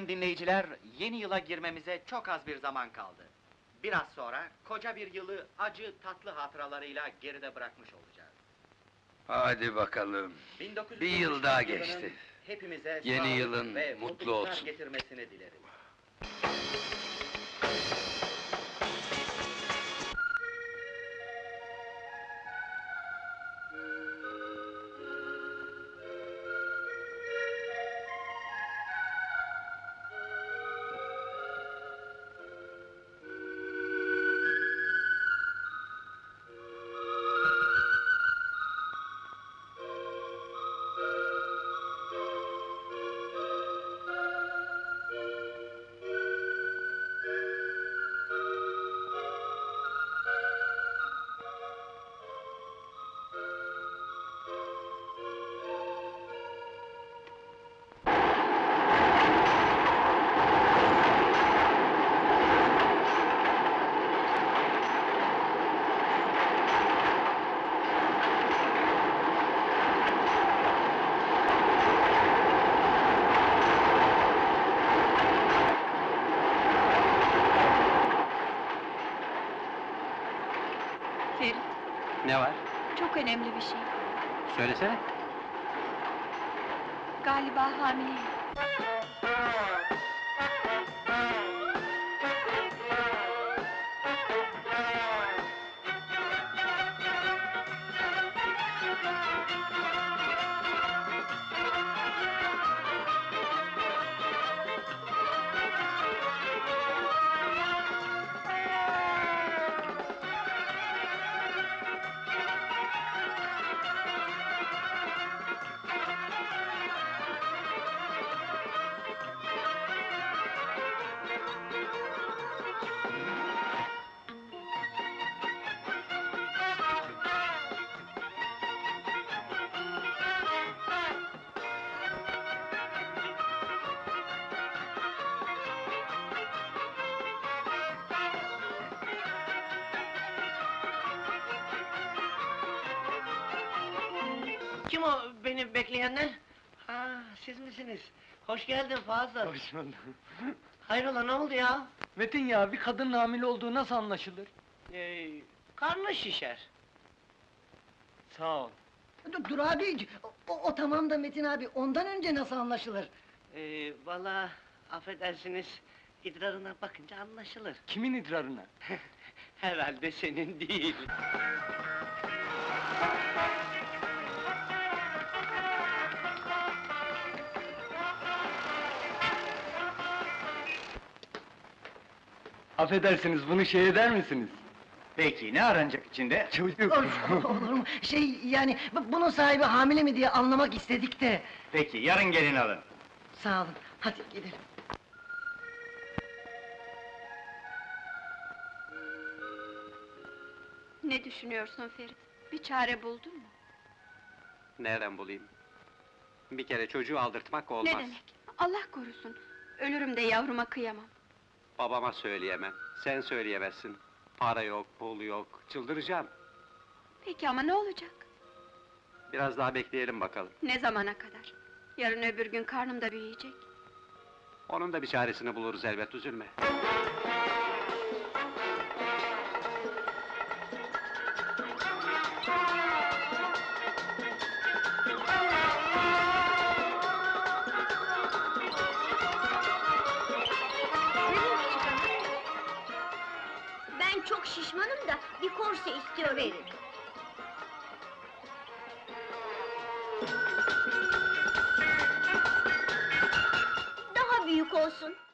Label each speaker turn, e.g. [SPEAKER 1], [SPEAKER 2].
[SPEAKER 1] Sayın dinleyiciler, yeni yıla girmemize çok az bir zaman kaldı. Biraz sonra koca bir yılı acı tatlı hatıralarıyla geride bırakmış olacağız.
[SPEAKER 2] Hadi bakalım.
[SPEAKER 1] 1973
[SPEAKER 2] Bir yıl daha
[SPEAKER 1] yılının
[SPEAKER 2] geçti.
[SPEAKER 1] Hepimize
[SPEAKER 2] Yeni
[SPEAKER 1] sağlık
[SPEAKER 2] yılın
[SPEAKER 1] ve
[SPEAKER 2] mutlu
[SPEAKER 1] mutluluklar
[SPEAKER 2] olsun.
[SPEAKER 1] getirmesini dilerim.
[SPEAKER 3] Ferit,
[SPEAKER 4] Ne var?
[SPEAKER 3] çok önemli bir şey.
[SPEAKER 4] Söylesene.
[SPEAKER 3] Galiba hamileyim.
[SPEAKER 5] Kim o beni bekleyenler? Ha, siz misiniz? Hoş geldin Fazıl.
[SPEAKER 6] Hoş bulduk.
[SPEAKER 5] Hayrola ne oldu ya?
[SPEAKER 6] Metin ya, bir kadının hamile olduğu nasıl anlaşılır?
[SPEAKER 5] Karnı şişer.
[SPEAKER 6] Sağ ol.
[SPEAKER 7] Dur abi, o tamam da Metin abi, ondan önce nasıl anlaşılır?
[SPEAKER 5] Vallahi affedersiniz, idrarına bakınca anlaşılır.
[SPEAKER 6] Kimin idrarına?
[SPEAKER 5] Herhalde senin değil.
[SPEAKER 6] Affedersiniz, bunu şey eder misiniz?
[SPEAKER 4] Peki, ne aranacak içinde?
[SPEAKER 6] Çocuk!
[SPEAKER 7] Olur mu? Yani, bunun sahibi hamile mi diye anlamak istedik de.
[SPEAKER 4] Peki, yarın gelin alın.
[SPEAKER 7] Sağ olun, hadi gidelim.
[SPEAKER 3] Ne düşünüyorsun Ferit? Bir çare buldun mu?
[SPEAKER 4] Nereden bulayım? Bir kere çocuğu aldırtmak olmaz.
[SPEAKER 3] Ne demek? Allah korusun! Ölürüm de yavruma kıyamam.
[SPEAKER 4] Babama söyleyemem, sen söyleyemezsin. Para yok, pul yok, çıldıracağım.
[SPEAKER 3] Peki ama ne olacak?
[SPEAKER 4] Biraz daha bekleyelim bakalım.
[SPEAKER 3] Ne zamana kadar? Yarın öbür gün karnım da büyüyecek.
[SPEAKER 4] Onun da bir çaresini buluruz elbet, üzülme.
[SPEAKER 8] Ben çok şişmanım da bir korse istiyorum. Verin. Daha büyük olsun.